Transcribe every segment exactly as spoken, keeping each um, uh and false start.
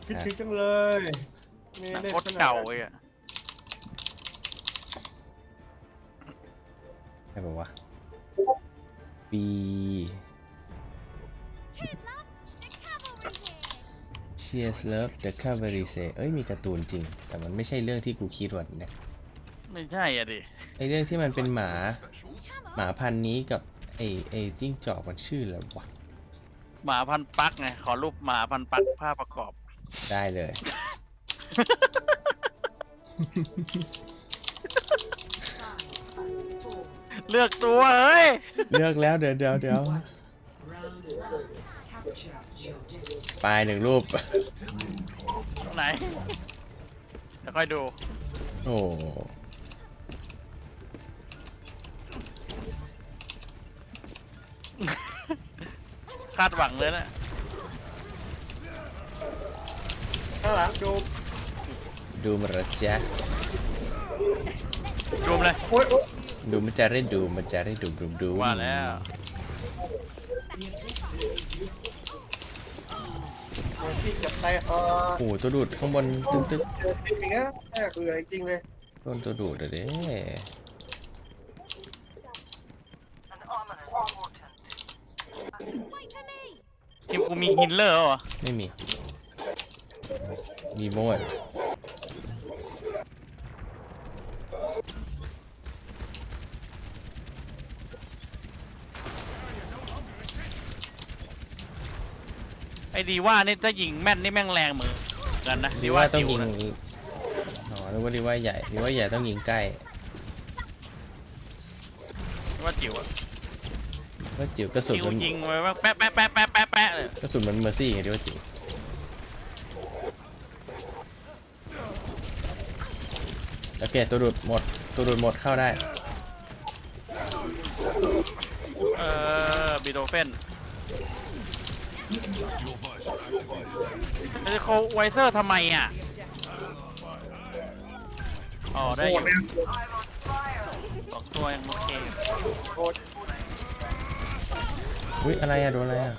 คิดถึงจังเลยมีหนังเล่นโคตรเก่าเลยอะใช่ปะวะ B Cheers Love The Cavalry Say เอ้ยมีการ์ตูนจริงแต่มันไม่ใช่เรื่องที่กูคิดว่าเนี่ยไม่ใช่อ่ะดิไอเรื่องที่มันเป็นหมาหมาพันธุ์นี้กับไอไอจิ้งจอกมันชื่ออะไรวะหมาพันปักไงขอรูปหมาพันปักภาพประกอบได้เลยเลือกตัวเฮ้ยเลือกแล้วเดี๋ยวเดี๋ยวเดี๋ยวปลายหนึ่งรูปไหนเดี๋ยวค่อยดูโอ้คาดหวังเลยนะข้างหลังดูดูมันละจ๊ะดูมเลยโอ๊ยโอ๊ยดูมันจะได้ดูมันจะได้ดูดูดูว่าแล้วที่จับไตเออโอ้โหตัวดูดข้างบนตึ๊กตึ๊กเจอจริงอย่างเงี้ยแม่เบื่อจริงเลยต้นตัวดูดอะเด้ทีมกูมีฮินเลอร์เหรอไม่มีมีโมดไอ้ดีว่านี่ถ้ายิงแม่นนี่แม่งแรงมือกันนะดีว่าต้องจิ๋ยิงนะอ๋อหรือว่าดีว่าใหญ่ดีว่าใหญ่ต้องยิงใกล้ดีว่าจิ๋วอะว่าจิ๋วกระสุนจิ๋วมันยิงไว้ว่าแป๊ะแป๊ะแป๊ะแป๊ะแป๊ะแป๊ะเลยกระสุนมันเมอร์ซี่ไงดีว่าจิ๋วโอเคตัวดูดหมดตัวดูดหมดเข้าได้เออบีโดเฟนจะโคไวเซอร์ทำไมอ่ะอ๋อได้อยู่สองตัวยังโอเคโอ๊ยอุ้ยอะไรอะโดนอะไรอะ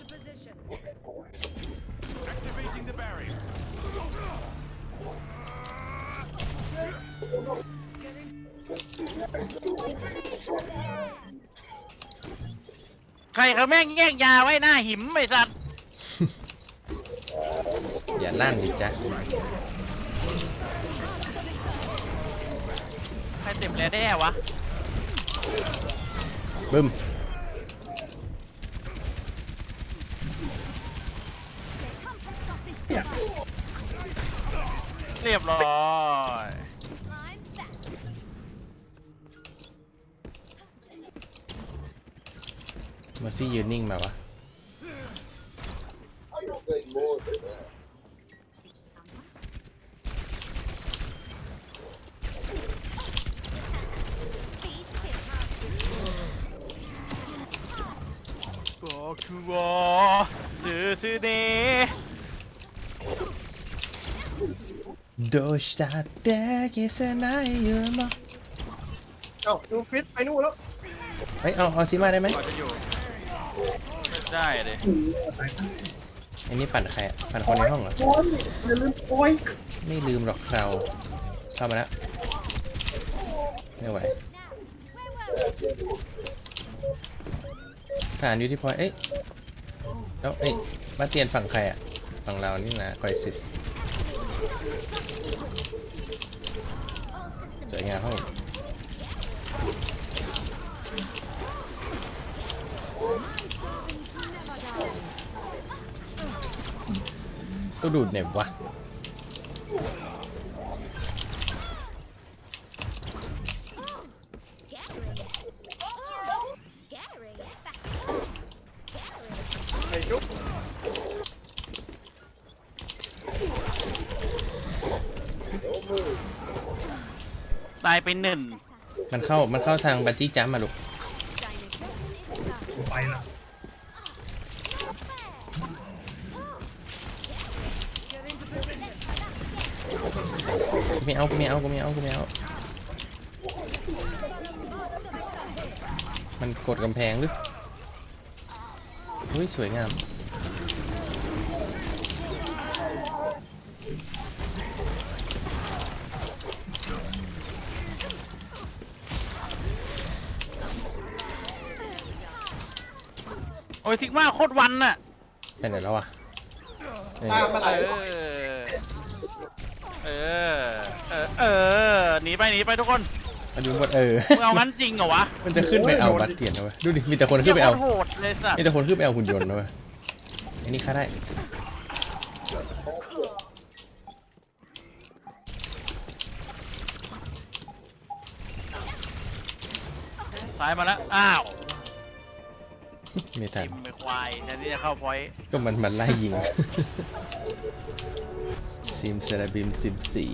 ใครเขาแม่งแย่งยาไว้หน้าหิมไอ้สัตว์อย่าลั่นดิจ๊ะใครเต็มแล้วได้วะบึ้มเรียบร้อยเมอร์ซี่ยืนนิ่งมาวะก็คือว่าซื้อซื้อเดโดชตาเดกิเซนายยูมะเอ้าดูฟิตไปนู่นแล้วเฮ้ยเอาเอาซิมาได้ไหมก่อนจะอยู่ได้เลยอันนี้ปั่นใครอะปั่นคนในห้องเหรอโอ๊ยอย่าลืมโอ๊ยไม่ลืมหรอกเราเข้ามาแล้วไม่ไหวฐานอยู่ที่พอยเอ้ยแล้วเอ้ยมาเตียนฝั่งใครอะฝั่งเรานี่นะคริสิสสวยงามครับผมตัวดูดเหน็บวะไอ้จุ๊บตายไปหนึ่งมันเข้ามันเข้าทางบันจี้จัมป์มาลูกไปละไม่เอากูไม่เอากูไม่เอากูไม่เอามันกดกำแพงหรืออุ้ยสวยงามโอ้ยซิกมาโคตรวันน่ะไปไหนแล้ววะเอ้ยตามมาไหเอลอเออเออเออหนีไปหนีไปทุกคนอันนี้หมดเออมึงเอางั้นจริงเหรอวะมันจะขึ้นไปเอาบัตรเตียนนะเว้ยดูดิมีแต่คนขึ้นไปเอาโคตรโหดเลยสัตว์มีแต่คนขึ้นไปเอาหุ่นยนต์นะเว้ยอันนี้ฆ่าได้ซ้ายมาแล้วอ้าวไม่ทันทิมไปควายแทนที่จะเข้าพอยต์ก็มันมันไล่ยิง ซิมเซราบิมซิมสี่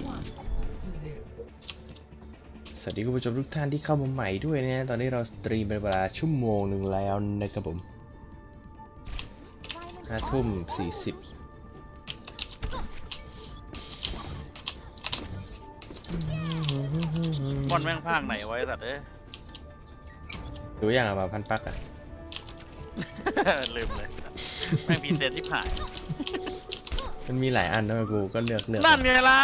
สวัสดีคุณผู้ชมทุกท่านที่เข้ามาใหม่ด้วยนะ ตอนนี้เราสตรีมเป็นเวลาชั่วโมงหนึ่งแล้วนะครับผมห้าทุ่มสี่สิบบอลแม่งภาคไหนไว้สัตว์เอ้ยดูอย่างอะมาพันปักอะลืมเลยแม่งพีเซนที่ผ่านมันมีหลายอันนะกูก็เลือกเลือกนั่นไงล่ะ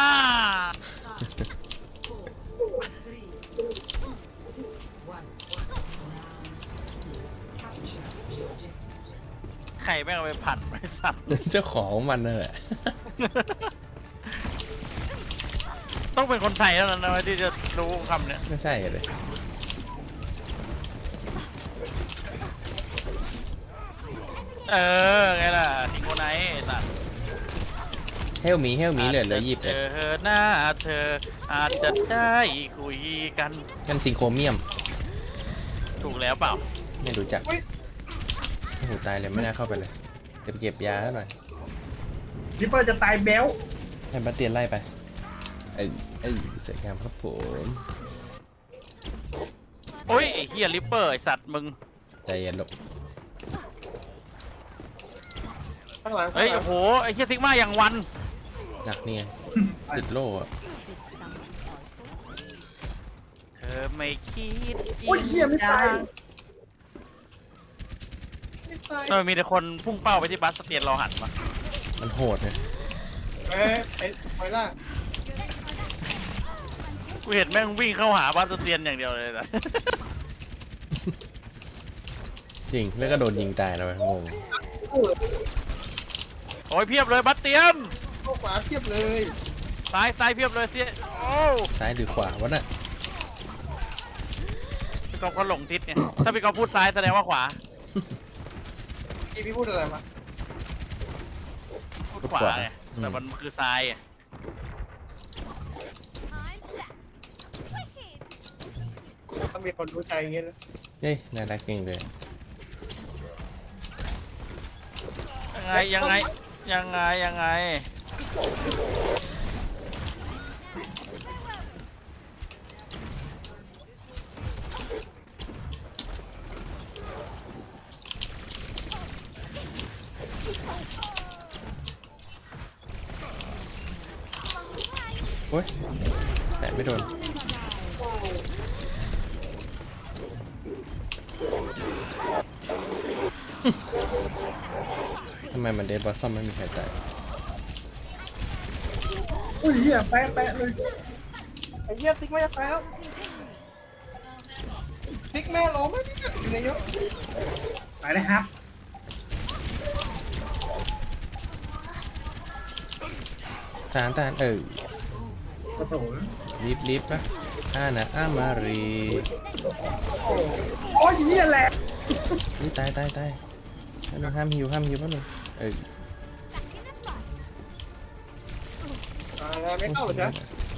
ใครแม่งเอาไปผัดไปสัตว์เจ้าของมันนั่นแหละต้องเป็นคนไทยเท่านั้นนะที่จะรู้คำเนี้ยไม่ใช่เลยเออไงล่ะทิงโกไนท์ไอ้สัตว์เฮลมีเฮลมีเหลือเหลือหยิบเอเลยอหน้าเธออาจจะได้คุยกันกันซิงโครเมียมถูกแล้วเปล่าไม่รู้จักอุ้ยโอ้โหตายเลยไม่น่าเข้าไปเลยเดี๋ยวไปเก็บยาแล้วหน่อยลิปเปอร์จะตายแบ้วให้บัตเตียนไล่ไปเอ้ยเอ้ยสวยงามครับผมโอ้ยไอ้เฮียลิปเปอร์ไอ้สัตว์มึงใจเย็นลงข้างหลังเฮ้ยโอ้โหไอ้เฮียซิกมาอย่างวันหนักเนี่ยติดโล่อะเธอไม่คิดโอ้ยเหี้ยไม่ตายจังไม่ตายเออมีแต่คนพุ่งเป้าไปที่บัสสเตียนเราหันมามันโหดเลยเอ้ยไอ้ไฟล่ากูเห็นแม่งวิ่งเข้าหาบัสสเตียนอย่างเดียวเลยนะจริงแล้วก็โดนยิงตายนะเว้ยงงโอ้ยโอ้ยเพียบเลยบัสเตียนเข้าขวาเทียบเลยซ้ายซ้ายเพียบเลยเสียโอ้ซ้ายหรือขวาวะน่ะพี่กอล์ฟเขาหลงทิศเนี่ยถ้าพี่กอล์ฟพูดซ้ายแสดงว่าขวาพี่พี่พูดอะไรมาพูดขวาไงแต่มันคือซ้ายอะถ้ามีคนรู้ใจอย่างเงี้ยนะเฮ้ยน่ารักเก่งเลยยังไงยังไงยังไงยังไงโอ้ยแต่ไม่โดนทำไมมันเดดบอสซอมไม่มีใครตายอุ้ยเหี้ยแปะแปะเลยไอ้เหี้ยติ๊กไม่จะตายแล้วติ๊กแม่ร้องไม่ติ๊กอยู่ในเยอะไปเลยครับทหารทหารเออกระโถนรีบรีบนะอานะอามารีโอ้ยเหี้ยแหละนี่ตายตายตายห้ามห้ามหิวห้ามหิวป่ะหนึ่งเอออ่าไม่เข้าเหรอ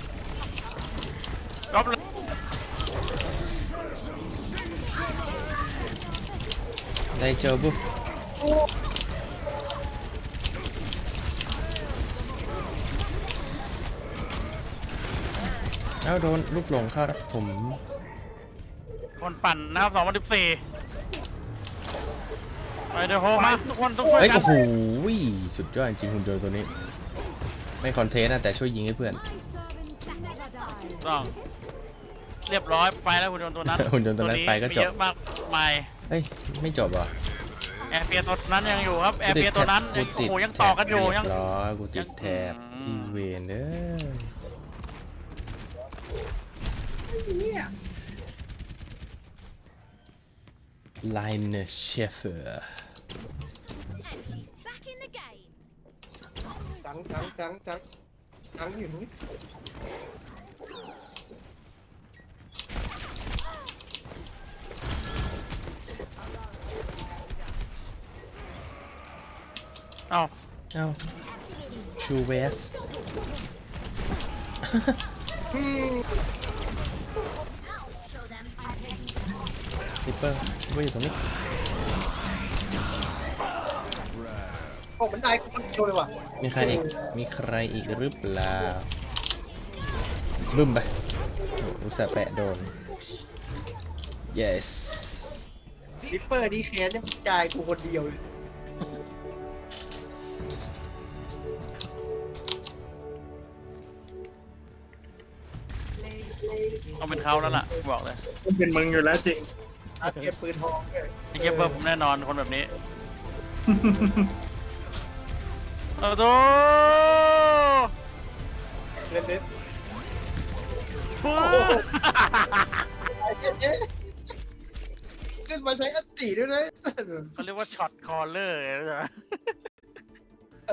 ก๊อฟเลยได้เจอบุเอ้าโดนลูกหลงเข้าแล้วผมคนปั่นนะครับสองพันสิบสี่ไปเดี๋ยวโฮมาทุกคนต้องช่วยเอ้ยกัโอ้นโหสุดยอดจริงหุ่นยนต์ตัวนี้ ไม่คอนเทนต์นะแต่ช่วยยิงให้เพื่อนต้องเรียบร้อยไปแล้วหุ่นยนต์ตัวนั้นหุ่นยนต์ตัวนั้นไปก็จบมีเยอะมากมายเอ้ยไม่จบเหรอแอร์เปียตัวนั้นยังอยู่ครับแอร์เปียตัวนั้นกูโอ้ติดโหยังต่อกันอยู่เรียังบร้อยกูติดแถบอือีมเวนเด้อไลน์เชฟเฟอร์ And she's back in the game. จังจังจังจังจังอยู่นี่เอ้าเอ้าชูเวส Show them. ริปเปอร์ว่าอยู่ตรงนี้โอ้มันได้กูมันโดนเลยว่ะมีใครอีก มีใครอีกหรือเปล่าบึ้มไปโอ้อุตส่าห์แปะโดน yes ริปเปอร์ดีแคนเนี่ยมันจ่ายกูคนเดียวเลยต้องเป็นเขาแล้วล่ะบอกเลยมันเป็นมึงอยู่แล้วจริงอาเก็บปืนทองเลยไอ้เก็บเบอร์ผมแน่นอนคนแบบนี้โอ้โหเล่นเล่นปุ๊บไอ้เจ๊เจ๊เล่นมาใช้อัตติด้วยนะเขาเรียกว่าช็อตคอลเลอร์ใช่ไหม